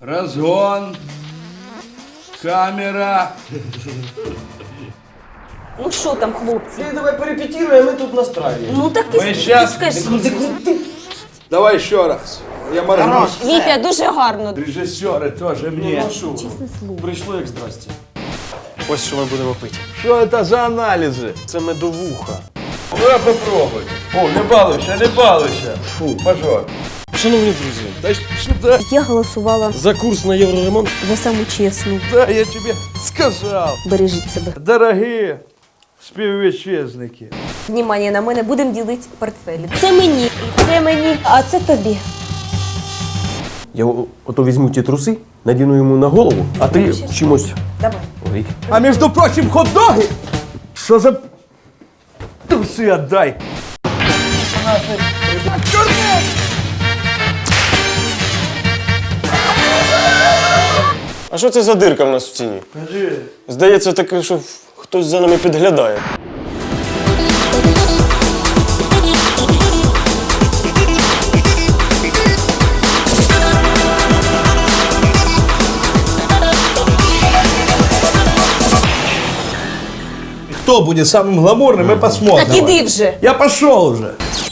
Разгон. Камера. Ну що там, хлопці? Ты давай порепетируем, мы тут настраиваем. Ну так Ми щас- скажи. Давай еще раз. Я моргну. Вітя, дуже гарно. Режиссеры тоже мне. Чесне слово. Прийшло як здрасте. Ось що ми будемо пити. Что это за анализы? Це медовуха. Ну я попробуй. О, не балуйся, не балуйся. Фу, пожалуй. Шановні друзі, Да сюда. Я голосувала за курс на євроремонт за саму чесну. Да, я тебе сказал. Бережіть себе. Дорогие співвітчизники. Внимание, на мене будемо ділити портфелі. Це мені, це мені, а це тобі. я ото візьму ті труси, надіну йому на голову, а ти чимось. Давай. Ой. А между прочим, хот-доги. Что за трусы отдай? А що це за дирка в нас в стіні? Скажи. Здається, таке, що хтось за нами підглядає. Кто будет самым гламурным, мы посмотрим. Так іди вже. Я пошел уже.